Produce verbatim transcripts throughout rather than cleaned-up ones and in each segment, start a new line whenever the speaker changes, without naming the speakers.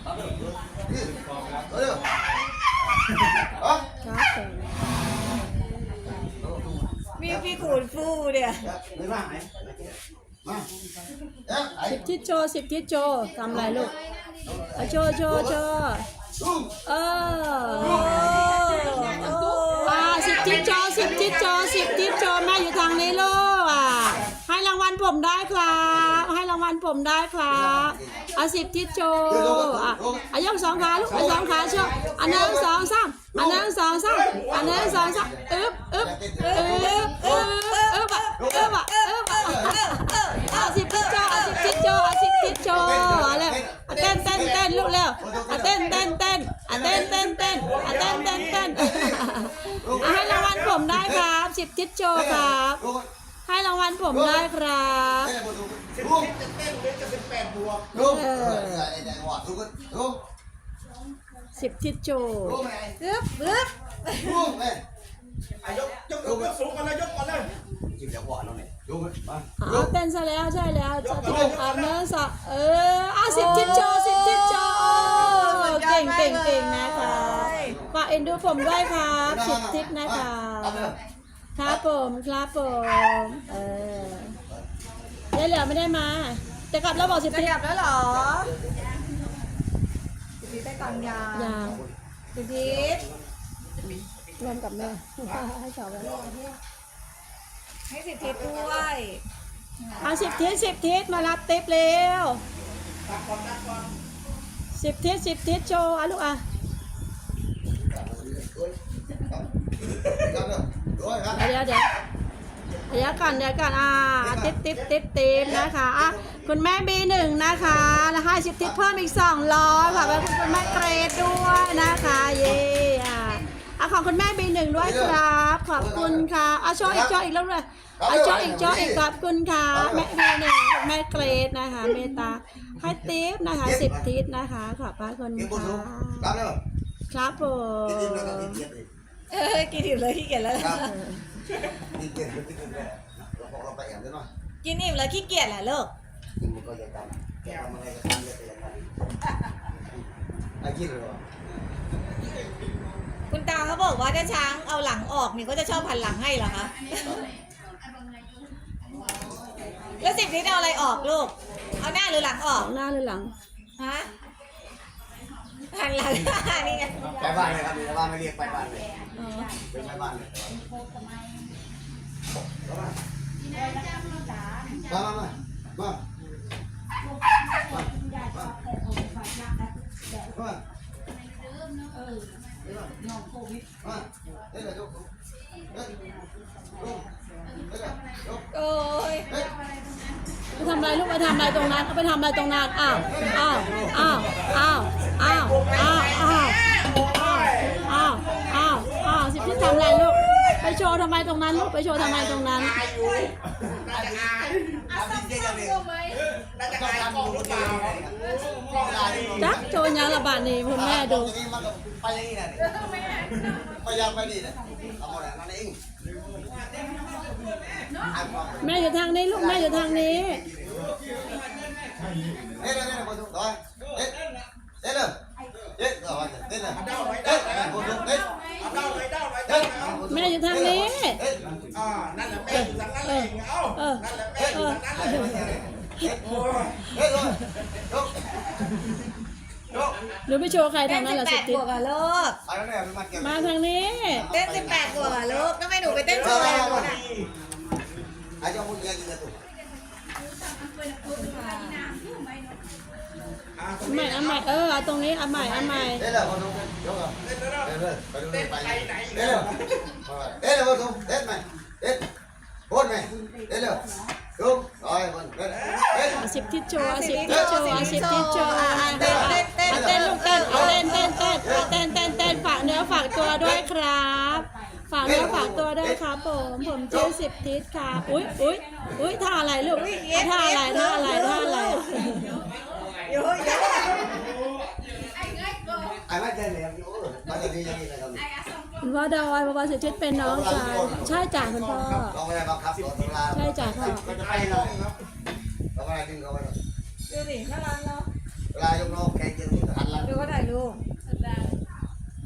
มีพี่ขูดฟูเนี่ย
สิบทิศโชว์สิบทิศโชว์ทำอะไรลูกโชว์โชว์โชว์เอออ่าสิบทิศโชว์สิบทิศโชว์สิบทิศโชว์แม่อยู่ทางนี้ลูกอ่ะให้รางวัลผมได้ครับให้รางวัลผมได้ครับอ่ะสิบทิศโชว์อ่ะอ่ะยกสองขาลูกสองขาโชว์อันหนึ่งสองสามอันหนึ่งสองสามอันหนึ่งสองสามอึ๊บอึ๊บอึ๊บอึ๊บอึ๊บอึ๊บอึ๊บอึ๊บอ่ะสิบทิศโชว์สิบทิศโชว์สิบทิศโชว์อะไรเต้นเต้นเต้นลูกเร็วเต้นเต้นเต้นเต้นเต้นเต้นเต้นเต้นเต้นให้รางวัลผมได้ครับสิบทิศโชว์ครับให้รางวัลผมได้ครับสิบทิศโชว์
ปึ๊บปึ๊บ
ยกยกยกสูงกันเลยยกก่อนเลยจิ้มจังหวะเราเนี่ยยกมา
อ๋อเต้นซะแล้วใช่แล้วจะที่เป็นอาบน้ำสระเอออ่ะสิบทิศโชว์สิบทิศโชว์เก่งเก่งเก่งนะคะฝากเอ็นดูผมด้วยครับสิบทิศนะคะครับผมครับผมเออยายเหลือไม่ได้มาจะกลับแล้วบอกสิบ
จะ
ทิศ
กลับแล้วเหรอสิบทิศไปก่อนยา
ย
ย
าว
สิบทิศ
รวมกับแม่ให้สาวไว้
ให้สิบทิศด้วย
เอาสิบทิศสิบทิศมารับติ๊บเร็วสิบทิศสิบทิศโชว์อ่ะลูกอ่ะเดี๋ยวเดี๋ยวเดี๋ยวก่อนเดี๋ยวก่อนอ่าติ๊บติ๊บติ๊บติ๊บนะคะอ่ะคุณแม่บีหนึ่งนะคะแล้วให้สิบทิศเพิ่มอีกสองร้อยค่ะแล้วคุณแม่เกรดด้วยนะคะเย่อ่ะอ่ะของคุณแม่บีหนึ่งด้วยครับขอบคุณค่ะอ่ะโชว์อีกโชว์อีกแล้วเลยอ่ะโชว์อีกโชว์อีกขอบคุณค่ะแม่บีหนึ่งคุณแม่เกรดนะคะเมตตาให้ติ๊บนะคะสิบทิศนะคะขอบพระคุณค่ะครับผม
เออกินอิ่มเลยขี้เกียจแล้ว
กินเก่งไม่กินเลยเราบอกเราไปแอบได้หน่อย
กินอิ่มแล้วขี้เกียจแหละลูก
กินมันก็จะทำแกทำอะไรก็ทำเลยแต่ยังไงไอ้กินเลยหรอ
คุณตาเขาบอกว่าถ้าช้างเอาหลังออกนี่ก็จะชอบหันหลังให้เหรอคะแล้วสิบทิศเอาอะไรออกลูกเอาหน้าหรือหลังออก
หน้าหรือหลัง
ฮะหันหลังนี่ไง
ไปบ้านเลยครับไปบ้านไม่เรียกไปบ้านเลยเป็นไปบ้านเลยมามามามามาน้องโควิดมาเดี๋ยวเดี๋ยว
โอ้ย
ไปทำอะไรลูกไปทำอะไรตรงนั้นเอาไปทำอะไรตรงนั้นอ้าวอ้าวอ้าวอ้าวอ้าวอ้าวอ้าวอ้าวอ้าวอ้าวสิพี่ทำอะไรลูกไปโชว์ทำไมตรงนั้นลูกไปโชว์ทำไมตรงนั้นจักโชว์ยังระบาดนี่คุณแม่ดู
ไปยังไงเนี่ยไปยังไปนี่เนี่ยเอาหมดแล้วนั่นเอง
แม่อยู่ทางนี้ลูกแม่อยู่ทางนี้
เด็ดเด็ดเด็ดคนทุกตัวเด็ดเด็ดเลยเด็ดเอาไว้เด็ดเลยเด็ดคนทุกเด็ดเอาไว้เด็ด
แม่อยู่ทางนี้
อ่านั่นแหละแม่อยู่ทางนั้นเลยเอา
เออ
นั่นแหละแม่อยู่ทางนั้นเลยเด็ดโอ้ยเด็ดเลยยกยก
หรือไปโชว์ใครทางนั้นเหรอสิบทิศมาทางนี้
เต้นสิบแปดบวกอะลูกทำไมหนูไปเต้นโชว์อะไรลูกอ่ะ
ไอ้เจ้าพูดยังไงกันตุ๊
ใหม่อันใหม่เออตรงนี้อันใหม่อันใหม่
เด็ดเลยคนทุกยกอ่ะเด็ดเลยเด็ดเลยไปดูไปไหนเด็ดเลยเด็ดเลยคนทุกเด็ดไหมเด็ดพูดไหมเด็ดเลยยกร้อยคนเด็ดเด็ด
สิบทิศโชว์สิบทิศโชว์สิบทิศโชว์เต้นเต้นเต้นเต้นลูกเต้นเต้นเต้นเต้นเต้นเต้นเต้นฝากเนื้อฝากตัวด้วยครับฝากเนื้อฝากตัวด้วยครับผมผมชื่อสิบทิศค่ะอุ้ยอุ้ยอุ้ยท่าอะไรลูกท่าอะไรท่าอะไรท่าอะไร
เยอะเยอะ
ไอ้ไม่เจอเลยโอ้มาจะดียังไงกัน
คุณพ่อดอยพ่อสิบทิศเป็นน้องชายใช่จ่าคุณพ่อ
ลองไปบังคับรถตุลา
ใช่จ่าพ่อ
ก็จะไปเลยครับลองไปดึงเขาไป
ดูสิน่ารักเนาะ
เวลายกน้องแข่งจริงหันหลัง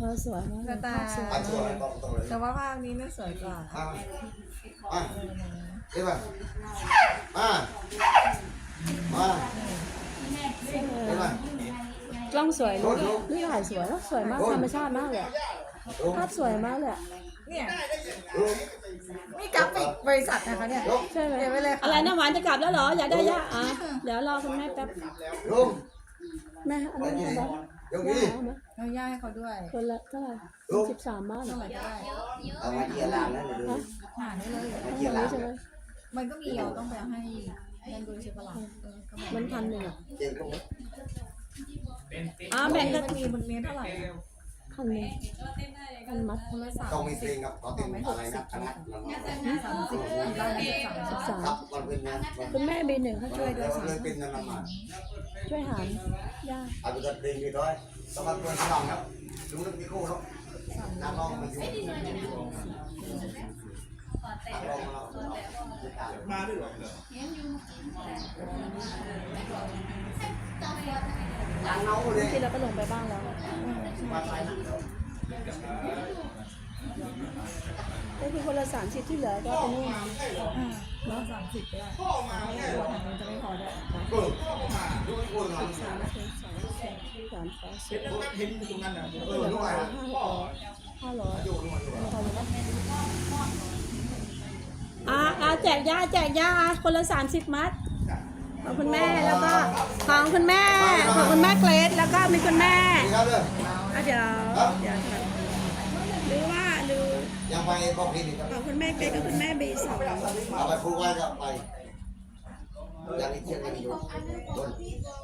อสวยมาก
กระต่าย
สวย
อ่ะตัวอะไรบอกตัวเลย
แต่ว่าภาคนี้น่าสวยกว่า
อ่ะอ่ะเดี๋ยวมามามาเดี๋ยวมาก
ล้องสวยเลยนี่ถ่ายสวยแล้วสวยมากธรรมชาติมากเลยอะภาพสวยมากเลยอะ
เนี่ย
ลุก
นี่กราฟิกบริษัทนะคะเนี่ย
ลุก
ใช่ไหม
เดี๋ยวไปเลยค่ะ
อะไรนะหวานจะกลับแล้วเหรออยากได้ย่าอ่ะเดี๋ยวรอคุณแม่แป๊บ
ลุก
แม่อันนี้นะ
ยกนี้
เอาไหม
เอาย่าให้เขาด้วย
คนละเท่าไหร่สิบสามบาทเหร
เท่า
อ
ไหร่ก็ได้
เอามาเกี่ยร์ลานแล้วเดี๋ยวดู
หาได้เลย
มาเกี่ยร์ลาน
ใช่ไหม
มันก็มีเราต้องไปให้นั่นด้วยใช่ปะล่ะเออก็
มันพันหนึ่งอ่ะ
เกี่ยร์ลุก
อ่าแบ่งกัน
มันมีมันมีเท่าไหร่อะ
พันหนึ่งพันมัด
คนละสาม
ต้องมีเพลงกับเขาเต้นอะไรนะคณะ
สามสิบได้สามสิบ
สาม
ครับมันเป็นนะมัน
คุณแม่บีหนึ่งเขาช่วยด้วย
เลยเป็นนั่นมา
ช่วยหารย่า
เอาไปตัดเพลงดีด้วยสมัครเพื่อนน้องครับดูนึกมีคู่เนาะนักร้องมันอยู่นักร้องมามาด้วยหรอทางเงาเลย
ที่เราก็ลงไปบ้างแล้ว
มาใส่หนัง
ก็คือคนละสามสิบที่เหลือก็เป็นนู่น
อ่าเนาะสามสิบได้ตัวทางนี้จะไม่พอได้
เออดูคู่งาน
สามสองสามสี่สามสองสี่
เห็นตรงนั้นนะเออด้วย
ห้าร้อย
ดูดูดู
พอแล้วอ่าอ่าแจกยาแจกยาคนละสามสิบมัดของคุณแม่แล้วก็ของคุณแม่ของคุณแม่เกรซแล้วก็มีคุณแม่
ดีครับเลย
อ่ะเดี๋ยวเดี๋ยวค่ะหรือว่าหรือ
ยังไปบอกพี่นี่ครับ
ของคุณแม่เกรซกับคุณแม่บีสอง
เอาไปพูดไว้ก็ไปอย่างนี้เที่ยงกันอยู่